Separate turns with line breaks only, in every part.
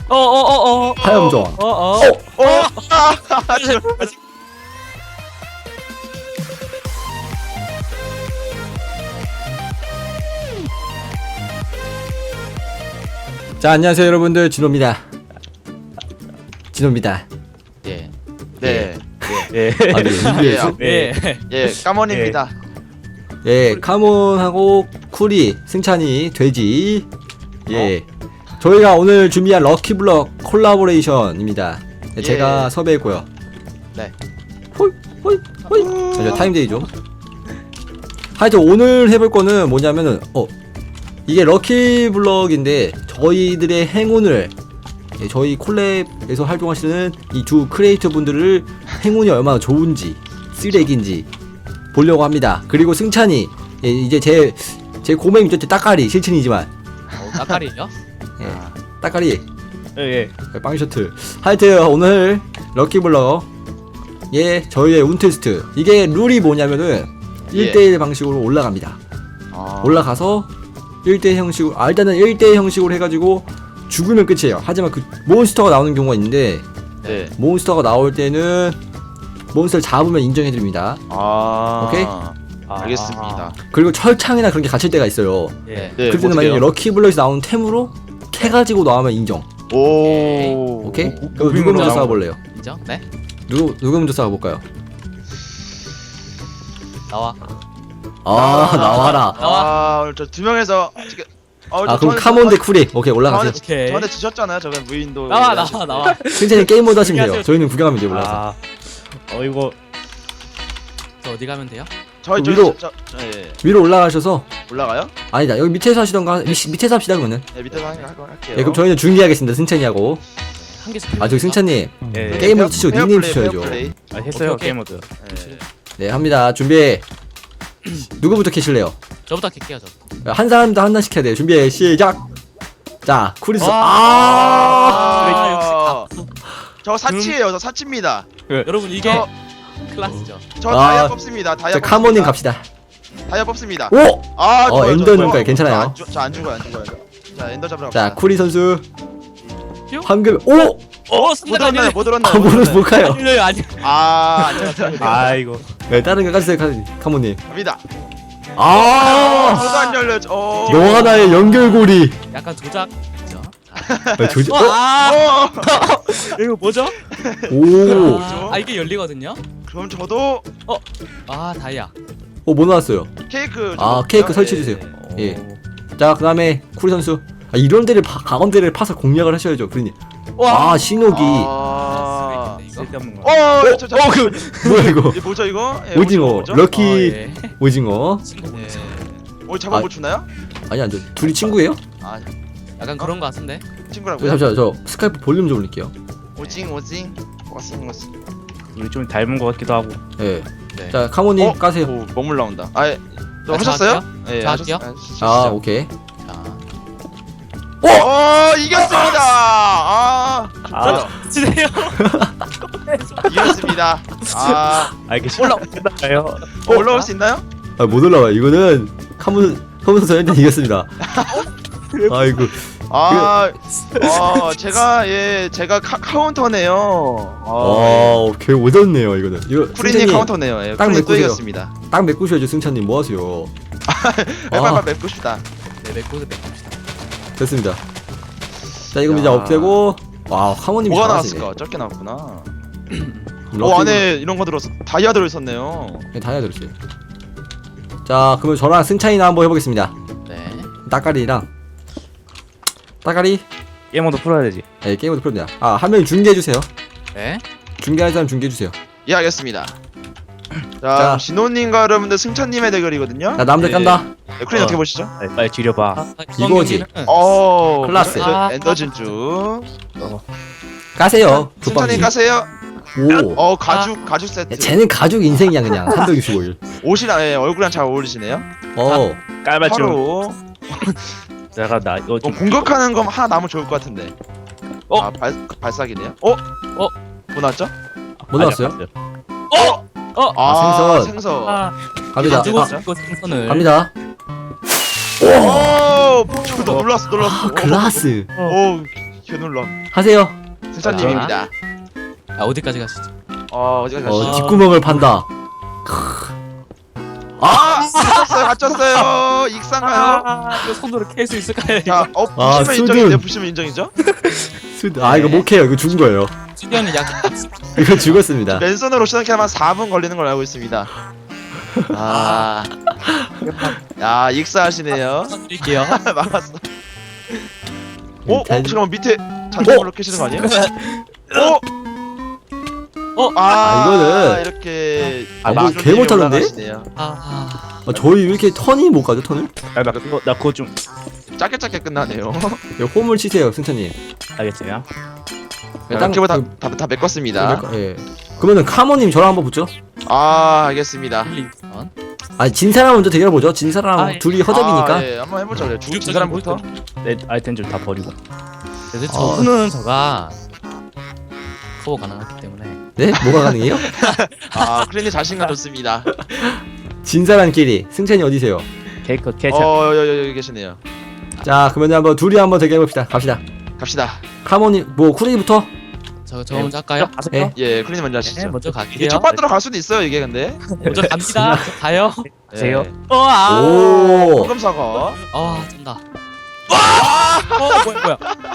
화염정. 자, 안녕하세요 여러분들, 진호입니다. 진호입니다.
예.
네.
예. 아, 네.
예, 까몬입니다.
예, 카몬하고 쿠리, 승찬이, 돼지. 예. 저희가 오늘 준비한 럭키블럭 콜라보레이션입니다. 네, 제가
예.
섭외했고요.
네.
호이. 잠시만, 타임데이 좀. 하여튼 오늘 해볼 거는 뭐냐면은 이게 럭키블럭인데 저희들의 행운을, 예, 저희 콜랩에서 활동하시는 이 두 크리에이터 분들을 행운이 얼마나 좋은지 쓰레기인지 보려고 합니다. 그리고 승찬이, 예, 이제 제 고맹이죠. 제 따까리 실친이지만
따까리요?
예, 따까리
예.
빵 셔틀. 하여튼 오늘 럭키블럭, 예, 저희의 운 테스트. 이게 룰이 뭐냐면은 1대1 방식으로 올라갑니다. 올라가서 1대1 형식으로, 일단은 1대1 형식으로 해가지고 죽으면 끝이에요. 하지만 그 몬스터가 나오는 경우가 있는데,
네.
몬스터가 나올 때는 몬스터를 잡으면 인정해드립니다. 오케이?
알겠습니다.
그리고 철창이나 그런 게 갇힐 때가 있어요.
예.
네.
그럴 때는 만약에 럭키블럭에서 나오는 템으로 캐가지고 나오면 인정.
오.
오케이? 그럼 누구 먼저 싸워볼래요?
인정? 네.
누구 먼저 싸워볼까요?
나와.
나와라.
오늘 저 두 명에서 지금.
그럼 카몬 대 쿠리. 오케이, 올라가세요.
오케이.
저한테 지셨잖아요. 저번 무인도.
나와.
승찬이 게임 모드 하시면 돼요. 저희는 구경하면 돼요, 올라가서.
이거
저 어디 가면 돼요?
저희
위로.
예.
위로 올라가셔서,
올라가요?
아니다, 여기 밑에서 하시던가. 밑에서 합시다 그러면은.
네, 밑에서 할게요.
예, 그럼 저희는 중계하겠습니다. 승찬이하고.
한 개씩.
저기 승찬님,
예.
게임 모드 치시고 닉네임 치셔야죠.
했어요.
오케이.
게임 모드.
예.
네, 합니다. 준비. 누구부터 캐실래요?
저부터 킬게요, 저.
한 사람도 하나씩 해야 돼요. 준비, 시작. 자, 쿠리스.
저 사치예요. 저 사치입니다.
여러분 이게
저-
클라스죠.
저
아,
다이아 뽑습니다. 다이아
자,
뽑습니다.
카모님 갑시다.
다이아 뽑습니다.
오!
좋아요,
엔더
좋아요.
눈깔 괜찮아요.
저 안 죽어요. 자, 엔더 잡으러
자,
갑시다.
쿠리 선수.
뿅.
황금. 오!
못 들었나요? 못 들었나요?
못 가요.
아니.
안녕하세요.
이거
네, 다른 거 가주세요, 카모님.
갑니다.
아!
저도 안 열려.
너 하나의 연결고리.
약간 조작이죠.
네, 조지.
이거 뭐죠?
오.
이게 열리거든요.
그럼 저도
다이아.
뭐 나왔어요?
케이크.
케이크 설치해주세요. 예. 자, 그 다음에 쿠리 선수. 이런 데를 가운데를 파서 공략을 하셔야죠, 쿠리님. 신호기.
쓸데없는 거.
뭐야 이거?
이게 뭐죠 이거? 예,
오징어.
뭐죠?
럭키
예.
오징어.
잡아 못 주나요?
아니, 안 돼. 둘이 친구예요?
약간 그런 거 같은데.
친구라고요?
잠시만, 저 스카이프 볼륨 좀 올릴게요.
오징.
우리 좀 닮은 거 같기도 하고.
예.
네.
자, 카모님 까세요.
오, 먹물 나온다. 또
아,
하셨어요? 예,
저 할게요?
오케이.
이겼습니다.
지네요.
이겼습니다.
이게 끝나요?
올라올 수 있나요?
못 올라와. 이거는 카몬 선수한테 이겼습니다. 아이고.
제가 카운터네요.
개 오졌네요, 이거는. 이거
쿠리님
승찬이
카운터네요. 예,
딱
쿠리님 또
메꾸세요.
이겼습니다.
딱 메꾸셔야죠, 승찬님. 뭐 하세요?
빨빨 맵고 싶다.
네, 맥고드 맥봅시다.
됐습니다. 자, 이거 이제 없애고. 카모님이
뭐가
잘하시네.
나왔을까? 적게 나왔구나.
럭키-
안에 이런 거 들었어. 다이아 들어있었네요.
네, 다 해드렸어요. 자, 그러면 저랑 승찬이나 한번 해보겠습니다.
네.
따까리랑 따까리.
게임 모드 풀어야 되지.
네, 게임으로 풀립니다. 한 명이 중계해주세요.
네.
중계할 사람 중계해주세요.
예, 알겠습니다.
자.
자, 진호님과 여러분들 승찬님의 대결이거든요.
자, 남들
예.
깐다.
네, 쿠리님 어떻게 보시죠?
빨리 줄여봐.
이거지. 클라스.
엔더 진주.
까세요.
승찬님 까세요.
오.
가죽 세트.
쟤는 가죽 인생이야, 그냥. 365일.
옷이랑 얼굴이랑 잘 어울리시네요.
깔맞춤.
바로
내가 나 이거 좀
공격하는 거 하나 남으면 좋을 것 같은데. 발사기네요. 뭐 나왔죠?
뭐 나왔어요? 생선.
생선.
갑니다.
가지고 싶고 생선을.
갑니다.
오, 저도 놀랐어.
글라스.
오, 겨눌러.
하세요.
승찬님입니다.
아 어디까지 가시죠?
어디까지 가시죠?
뒷구멍을 판다.
갇혔어요. 익산가요?
이거 손으로 캘 수 있을까요?
자, 부시면
수준.
인정인데 부시면 인정이죠?
이거 못 해요. 이거 죽은 거예요.
수련은 약
이거 죽었습니다.
맨손으로 시작하면 4분 걸리는 걸로 알고 있습니다. 야, 익사하시네요.
드릴게요.
막았어. 잠깐만 밑에 잔디물로 캐시는 거 아니에요?
이거는
이렇게
뭐 개 못하는데?
올라가시네요.
저희 왜 이렇게 턴이 못 가죠? 턴을?
나 그거 좀
짧게 끝나네요.
네, 홈을 치세요, 승찬님.
알겠어요.
땅집을 다 메꿨습니다.
예. 그러면은 카모님 저랑 한번 붙죠?
알겠습니다.
진 사람 먼저 대결 보죠. 진 사람 둘이 허접이니까.
예, 한번 해보죠. 그래. 진 사람부터.
내 아이템 좀 다 버리고.
그래서 저분은 저가 커버 가능하기 때문에.
네? 뭐가 가능해요?
크린이 자신감 좋습니다.
진 사람끼리. 승찬이 어디세요?
케이크
여기 계시네요.
자, 그러면 한번 둘이 한번 대결해 봅시다. 갑시다. 카모님, 쿠리부터.
저 먼저 할까요?
네.
예, 크린이 먼저
네,
하시죠.
먼저
이게
갈게요.
첫 번째로 갈 수도 있어요, 이게 근데.
먼저 갑니다. 저 가요.
가세요.
오.
황금 사과.
쩐다. 뭐야?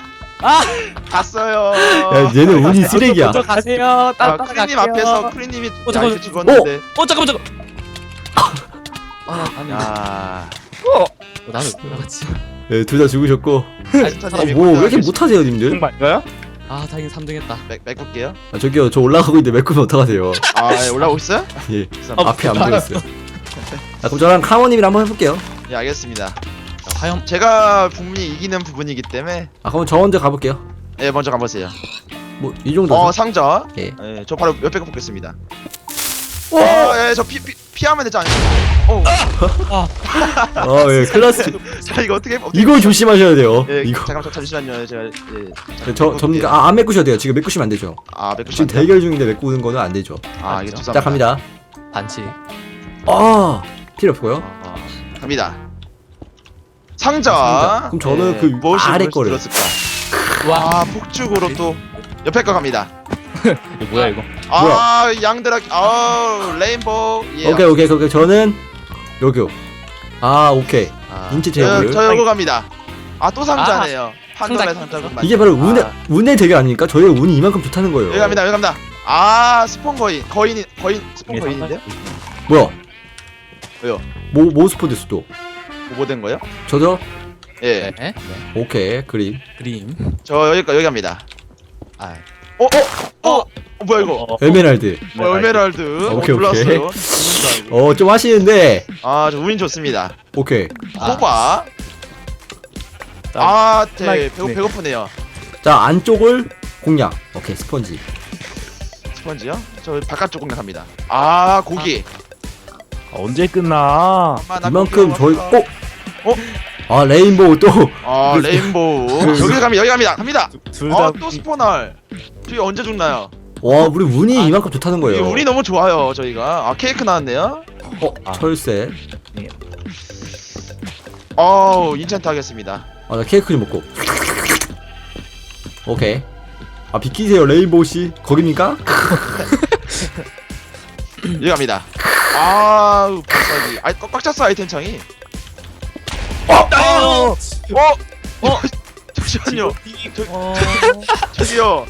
갔어요.
야, 얘는 운이 쓰레기야.
먼저 가세요.
크린님 앞에서 크린님이
잠깐만.
죽었는데.
잠깐만. 아니. 나는 왜 나갔지?
네, 둘 다 죽으셨고.
승찬님이
뭐 왜 이렇게 못하세요, 님들?
정말인가요?
다행히 3등했다.
메꿀게요.
저기요, 저 올라가고 있는데 메꾸면 어떡하세요?
예, 올라오고 있어요?
예. 앞에 안 보였어요. 자, 그럼 저랑 카모님이랑 한번 해볼게요.
예, 알겠습니다.
화염.
제가 분명히 이기는 부분이기 때문에
그럼 저 먼저 가볼게요.
예, 먼저 가보세요.
뭐 이 정도.
상자.
예.
저 바로 옆에 거 보겠습니다. 저 피하면 되지 않나요?
예, 클라스.
자, 이거 어떻게
이거 조심하셔야 돼요.
예,
이거.
잠깐만 잠시만요. 제가
안 메꾸셔도 돼요. 지금 메꾸시면 안 되죠.
메꾸시면
지금 대결 중인데 메꾸는 거는 안 되죠.
이게
자,
죄송합니다.
자, 갑니다.
반칙.
필요 없고요.
갑니다. 상자.
그럼 저는 그
무엇이
아래
무엇이
거를.
들었을까? 폭죽으로 또 옆에 거 갑니다.
이거 뭐야 이거?
양드라기. 레인보우. 예.
오케이. 저는 여기요. 오케이. 인체 제어를.
저 요거 갑니다. 또 상자네요. 판도라의 상자군.
이게 바로 운의 대결 아닙니까? 저희가 운이 이만큼 좋다는 거예요.
여기 갑니다. 스폰 거인 스폰 거인인데요?
뭐야?
왜요?
뭐 스포 됐어 또?
뭐 된 거요?
저죠?
예.
네.
오케이. 그림.
저 여기 갑니다. 뭐야 이거?
에메랄드.
에메랄드.
오케이.
몰랐어요.
좀 하시는데.
저 운이 좋습니다.
오케이.
호박. 배고프네요.
자, 안쪽을 공략. 오케이. 스펀지.
스펀지요? 저 바깥쪽 공략합니다. 고기.
언제 끝나?
이만큼 저희 레인보우 또.
레인보우. 여기 갑니다.
둘다
또 스포널. 저희 언제 죽나요?
와, 우리 운이 이만큼 좋다는 거예요.
운이 너무 좋아요, 저희가. 케이크 나왔네요.
철새.
인챈트 하겠습니다.
나 케이크 좀 먹고. 오케이. 비키세요, 레인보우 씨. 거깁니까?
여기 갑니다. 불사기. 꽉 찼어, 아이템 창이. 잠시만요. 저기요.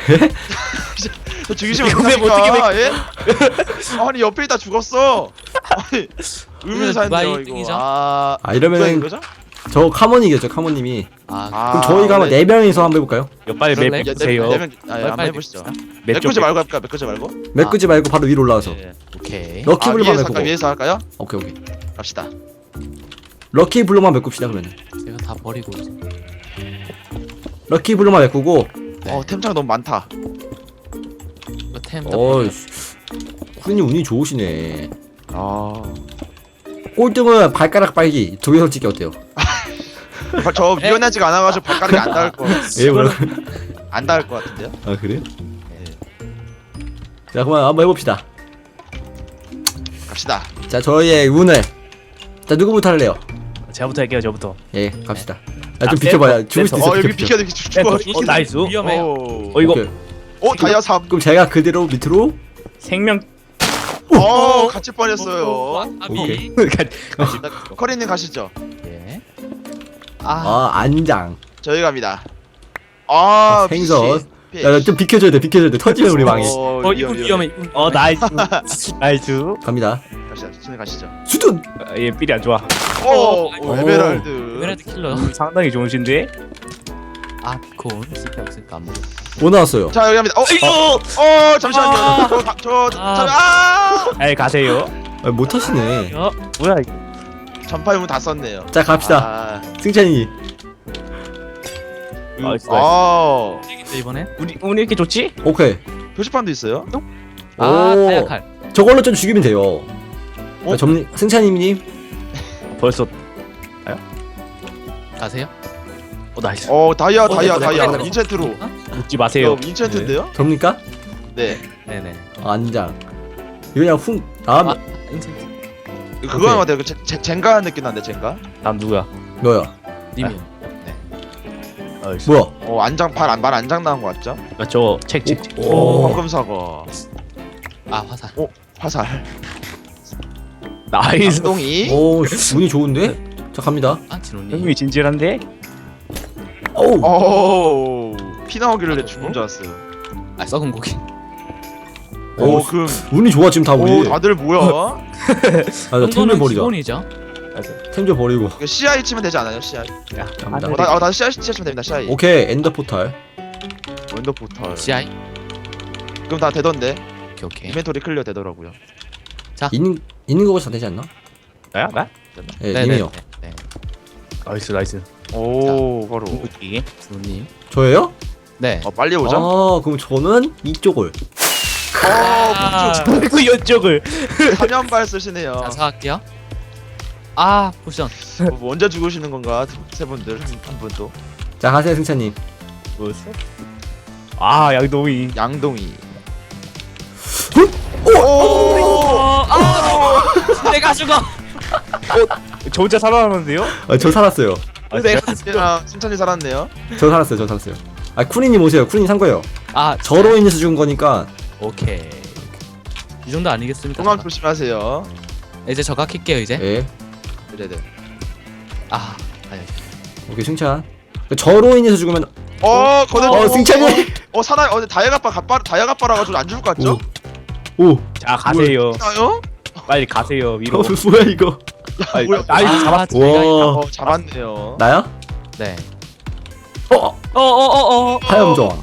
저 죽이시면 어떡합니까? 예? 아니 옆에 있다 죽었어. 아니 의문사인데요 이거.
이러면은
거죠?
저 카모니겠죠, 카모님이. 그럼 저희가 한번 4명이서 한번 해볼까요?
빨리
그럴래?
맵 보세요.
한번 해보시죠.
맵
메꾸지 말고 할까? 메꾸지 말고.
메꾸지 말고 바로 위로 올라와서.
오케이.
럭키블록만 메꾸고.
위에서 할까요?
오케이.
갑시다.
럭키블록만 메꿉시다, 그러면.
제가 다 버리고 이제.
럭키블록만 메꾸고.
네.
템창 너무 많다.
이거 템.
쿠리님 운이 좋으시네. 꼴등은 발가락 빨기. 동영상 찍기 어때요?
저 미연하지가 않아가지고 발가락이 안 닿을 거. 안 닿을 것 같은데요?
그래? 자, 그만 한번 해봅시다.
갑시다.
자, 저희의 운을. 자, 누구부터 할래요?
제가부터 할게요. 저부터.
예, 갑시다. 야, 좀 비켜봐요. 죽을 수도 있어.
여기
비켜.
비켜 죽어.
나이스.
위험해요.
이거
오케이.
다이아 3.
그럼 제가 그대로 밑으로.
생명.
갇힐 뻔했어요.
오케이.
커리님 가시죠.
예.
안장.
저희 갑니다.
생선.
피시.
야, 좀 비켜줘야 돼. 터지면 우리 망해.
이분 위험해.
나이스. 나이스.
갑니다.
가시죠. 천천히 가시죠.
수둔.
얘 삘이 안 좋아.
에메랄드.
에메랄드 킬러요.
상당히 좋으신데.
콘 쓸데 없으니까 안 먹어.
뭐 나왔어요?
자 여기 갑니다. 잠시만요.
에이 가세요.
못 하시네.
뭐야 이거.
전파유문 다 썼네요.
자, 갑시다. 승찬이.
나이스.
근데 이번에
우리 이렇게 좋지?
오케이.
표지판도 있어요?
다이아칼.
저걸로 좀 죽이면 돼요. 승찬이님.
벌써
가세요.
나이스.
다이아
네.
인챈트로.
웃지 마세요.
인챈트인데요?
접니까?
네.
네네.
안장. 이거 그냥
인챈트.
그거 하는 것 같아요. 젠가 느낌 난데 젠가.
다음 누구야?
너야.
님이.
나이스.
뭐야?
안장 발 안장 나온 거 같죠?
저거 책.
오.
황금 사과.
화살.
화살.
나이스.
쌍둥이.
오, 운이 좋은데? 자, 갑니다.
진호님.
형님이 진실한데?
오.
피 나오길래 죽은 줄 알았어요.
썩은 고기.
오,
그
운이 좋아 지금 다 우리.
다들 뭐야?
템 좀 버리자.
기본이죠.
템 좀 버리고.
이거 CI 치면 되지 않아요? CI.
야,
갑니다.
나 CI 치면 됩니다. CI.
오케이, 엔더 포탈.
원더 포털.
CI.
그럼 다 되던데.
오케이.
이벤토리 클리어 되더라고요.
있는 거고 다 되지 않나?
나야? 나?
예, 님이요.
네.
나이스 나이스.
오, 바로.
이게
진호님.
저예요?
네.
빨리 오자.
그럼 저는 이쪽을.
그 이쪽을.
사면발 쓰시네요.
자, 사갈게요. 포션.
뭐 언제 죽으시는 건가? 세 분들 한 분도.
자, 가세요, 승찬님.
뭐였어? 양동이.
양동이.
내가 죽어.
저 혼자 살아남았는데요?
저 살았어요.
내가
승찬이 살았네요.
저 살았어요. 쿠니님 오세요. 쿠니님 산 거예요. 저로 인해서 죽은 거니까.
오케이. 이 정도 아니겠습니까?
공항 조심하세요.
이제 저가 킬게요 이제.
예.
네네.
아니.
오케이, 승찬. 저로 인해서 죽으면. 승찬이.
다이아가빠라 가지고 안 죽을 것 같죠?
오.
자 가세요.
나요?
빨리 가세요 위로.
뭐야 이거?
뭐야?
나이스 잡았어.
와.
잡았네요.
아,
나야?
네.
하염정.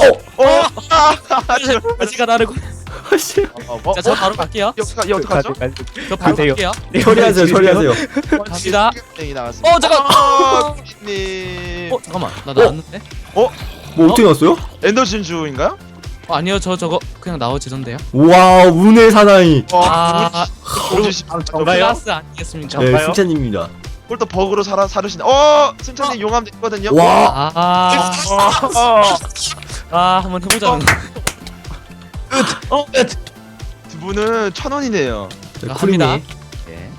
아지가 나를.
씨.
자, 저 바로 갈게요.
어떡하죠?
저 바로
가세요.
갈게요.
처리하세요.
갑니다.
땡이 나갔습니다.
잠깐.
님.
잠깐만. 나 나왔는데?
뭐 어떻게 났어요?
엔더 진주인가요?
아니요, 저거 그냥 나오지던데요.
와, 운의 사나이.
정가요?
플러스 아니겠습니까?
네,
정가요?
승찬님입니다.
또 버그로 사르시네. 승찬님 용암 있거든요.
와.
한번 해보자는.
두 분은 1,000원이네요.
네,
합니다.
쿠리님.
네.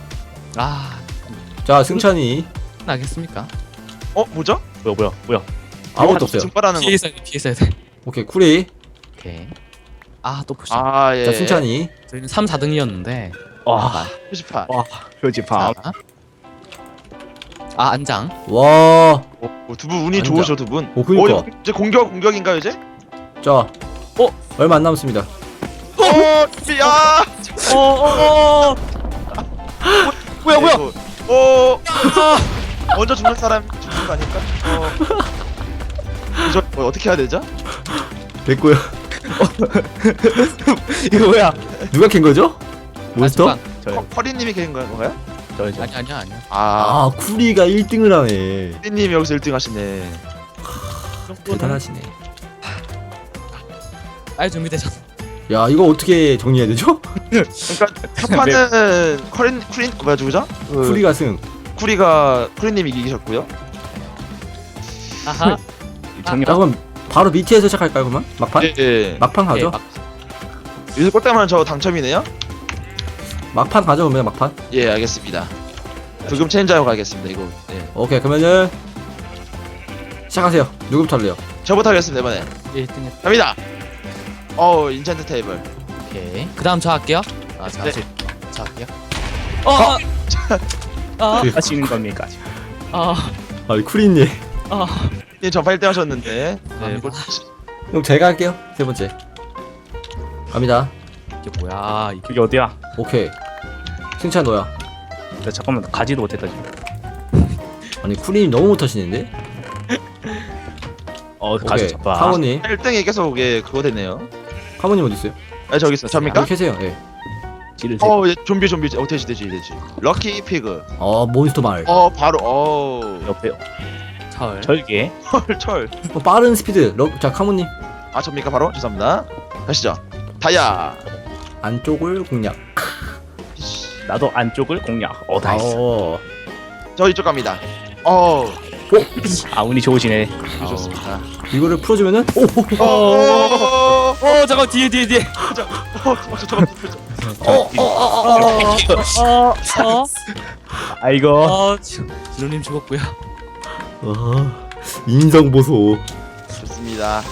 자, 승찬이.
나겠습니까?
뭐죠?
뭐야?
아무것도 없어요.
증발하는 거.
피했어야 돼.
오케이, 쿠리.
오케이. 또 포션.
예.
자, 승찬이.
저희는 3, 4등이었는데.
와.
표지판.
표지판.
안장.
와.
두 분 운이
앉아.
좋으셔 두 분.
그니까.
이거 이제 공격인가요 이제?
자. 얼마 안 남았습니다.
야. 뭐야? 먼저 죽는 사람 죽는 거 아닐까? 저 어떻게 해야 되죠?
됐고요.
이거 뭐야?
누가 캔 거죠? 몬스터?
커리님이 계신 건가요?
아니야.
쿠리가 1등을 하네.
커리님이 여기서 1등 하시네.
대단하시네.
준비되셨어.
야, 이거 어떻게 정리해야 되죠?
그러니까 첫 판은 쿠린 뭐야 누구죠?
쿠리가 승.
쿠리님이 이기셨고요.
아하.
자, 그럼 바로 밑에서 시작할까요, 그러면? 막판?
예.
막판 가죠?
여기서 꼴대면 저 당첨이네요?
막판 가죠, 그러면 막판?
예, 알겠습니다. 부금 체인지하고 가겠습니다. 이거. 예.
오케이, 그러면은 시작하세요. 누구부터 할래요?
저부터 하겠습니다 이번에.
1등 했.
갑니다. 인챈트 테이블.
오케이. 그다음 저 할게요. 저
네.
저 할게요.
하시는 겁니까?
아니 쿠리님.
예, 전파 1등 하셨는데. 네,
갑니다.
그럼 제가 할게요. 세 번째. 갑니다.
이게 뭐야? 이게
여기 어디야?
오케이. 승찬 너야.
나 잠깐만 가지도 못했다 지금.
아니 쿠리님 너무 못하시는데?
가지
오케이.
잡아.
카모님.
1등이 계속 그거 되네요.
카모님 어디 있어요?
저기 있어. 접니까?
여기 계세요. 예.
지를
예, 좀비. 되지. 럭키 피그.
몬스터 마을.
바로.
옆에
철.
절개.
철.
빠른 스피드. 자 카모님
접니까 바로? 죄송합니다. 가시죠. 다이아.
안쪽을 공략.
나도 안쪽을 공략. 나이스.
저 이쪽 갑니다.
운이 좋으시네.
좋습니다.
이거를 풀어주면은
잠깐 뒤에.
아이고.
진호님 죽었고요.
인성 보소.
좋습니다.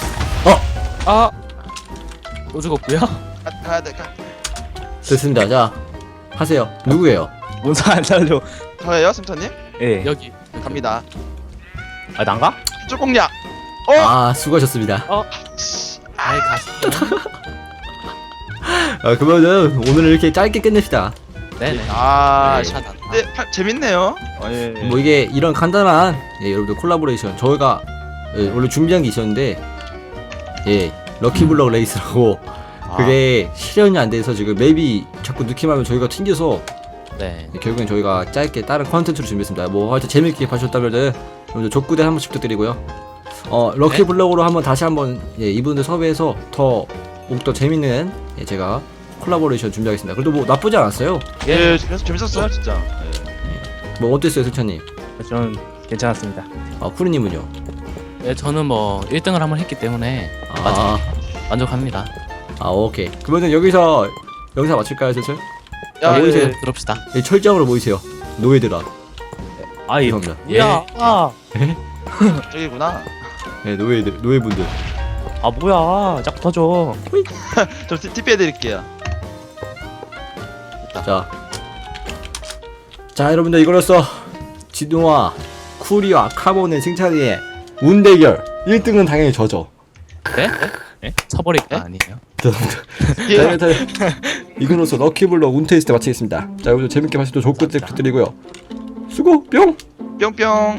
또 죽었고요.
가야 돼.
됐습니다. 자 하세요. 누구예요?
문서 안 살려.
저예요, 승천님?
예.
여기.
갑니다.
난가?
이쪽 공략.
수고하셨습니다.
아이 가시죠.
그러면은 오늘 이렇게 짧게 끝냅시다.
네네.
네,
샷.
재밌네요. 예.
뭐 이게 이런 간단한 여러분들 콜라보레이션 저희가 원래 준비한 게 있었는데 럭키블럭 레이스라고 그게 실현이 안 돼서 지금 맵이 자꾸 느낌하면 저희가 튕겨서
네.
결국엔 저희가 짧게 다른 컨텐츠로 준비했습니다. 뭐 하여튼 재밌게 봐주셨다면은 여러분들 족구대 한 번씩 부탁드리고요. 럭키블럭으로 한번 다시 한번 이분들 섭외해서 더 재밌는 제가 콜라보레이션 준비하겠습니다. 그래도 뭐 나쁘지 않았어요.
예, 재밌었어요, 진짜.
뭐 어땠어요, 승찬님?
저는 괜찮았습니다.
쿠리님은요?
네, 저는 뭐 1등을 한번 했기 때문에 만족합니다.
오케이. 그러면 여기서 영상 마칠까요, 슬슬?
야,
모이세요.
그럽시다.
철장으로 모이세요. 노예들아.
아이.
죄송합니다.
예.
저기구나.
네, 노예분들.
뭐야? 자꾸 터져.
저 TP 해드릴게요.
자, 여러분들 이거로써 진우와 쿠리와 카본의 승찬이의 운대결 1등은 당연히 저죠.
네? 쳐버릴 거 아니에요?
죄송합니다. 이거로써 럭키블럭 운테이스트 마치겠습니다. 자, 여러분들 재밌게 봐주셔서 좋고 부탁드리고요. 수고 뿅!
뿅뿅.